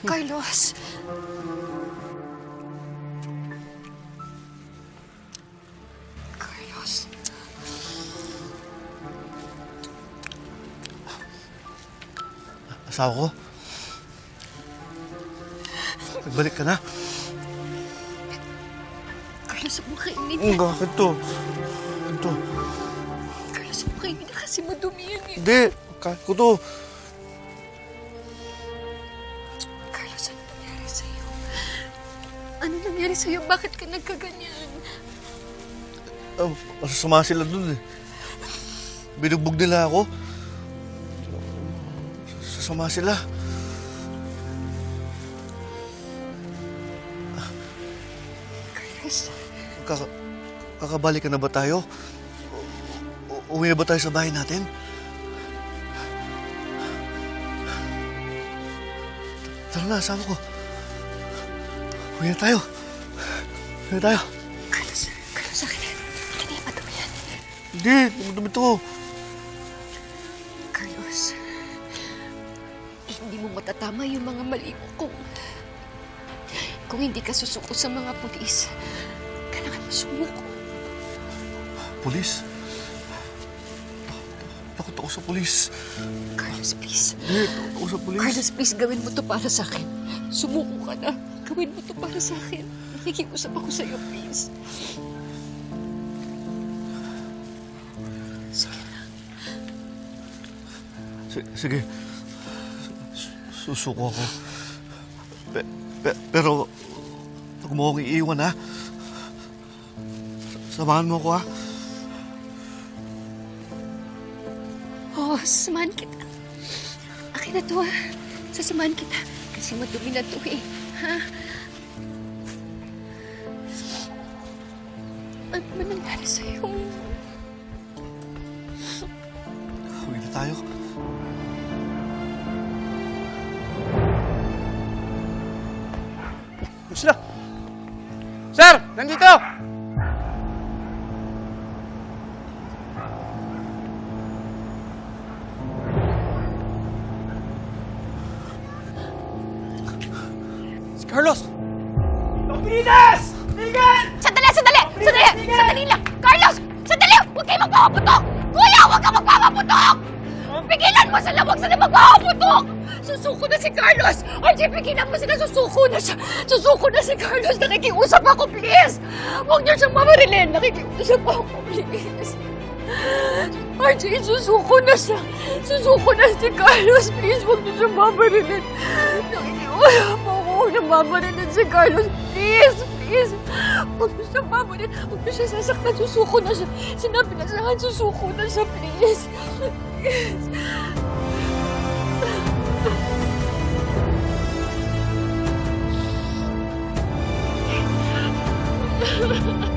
Carlos. Carlos. Asawa ko? Nagbalik ka na? Carlos, huwag mo kainin. Bakit to? Ito. Carlos, huwag mo kainin na kasi madumi yan eh. Hindi. Kahit ko to. Carlos, ano nangyari sa'yo? Ano nangyari sa'yo? Bakit ka nagkaganyan? Masasama sila dun eh. Binugbog nila ako. Sasama sila. Carlos, Kakabalik na ba tayo? Uwi na ba tayo sa bahay natin? Tara na, sama ko. Uwi na tayo. Uwi na tayo. Carlos, akin na. Akin na yung madumi yan. Hindi, dumidumi to. Carlos, hindi mo matatama yung mga mali mo kung hindi ka susuko sa mga pulis. Kailangan mo sumuko. Pulis? Takot ako sa pulis. Carlos, please. Hindi, takot ako sa pulis. Carlos, please, gawin mo to para sa akin. Sumuko ka na. Gawin mo to para sa akin. Nakikiusap ako sa'yo, please. Sige na. Sige. Susuko ako. Pero, huwag mo akong iiwan, ha? Samahan mo ako, ha? Oo, sasamahan kita. Akin na to, ha? Sasamahan kita. Kasi madumi na to, eh. Ha? Ano ba nangyari sa'yo? Uwi na tayo. Sila! Sir! Nandito! Si Carlos! Pilides! Tigil! Sandali! Sandali lang! Carlos! Sandali! Huwag kayo magpapaputok! Kuya! Huwag ka magpapaputok! Pigilan mo sila! Huwag sila magpapaputok! Susuko na si Carlos! RJ, pigilan mo sila! Susuko na siya! Susuko na si Carlos! Nakikiusap ako, please! Huwag niyo siyang mamarilin! Nakikiusap ako, please! RJ, susuko na siya! Susuko na si Carlos! Please, huwag niyo siyang mamarilin! Nakikiusap ako! Huwag niyo mamarilin si Carlos! Please! Please! Huwag niyo siyang mamarilin! Huwag niyo siya sasaktan! Susuko na siya! Sinabi na sa akin, susuko na siya! Please! Please! Ha ha ha.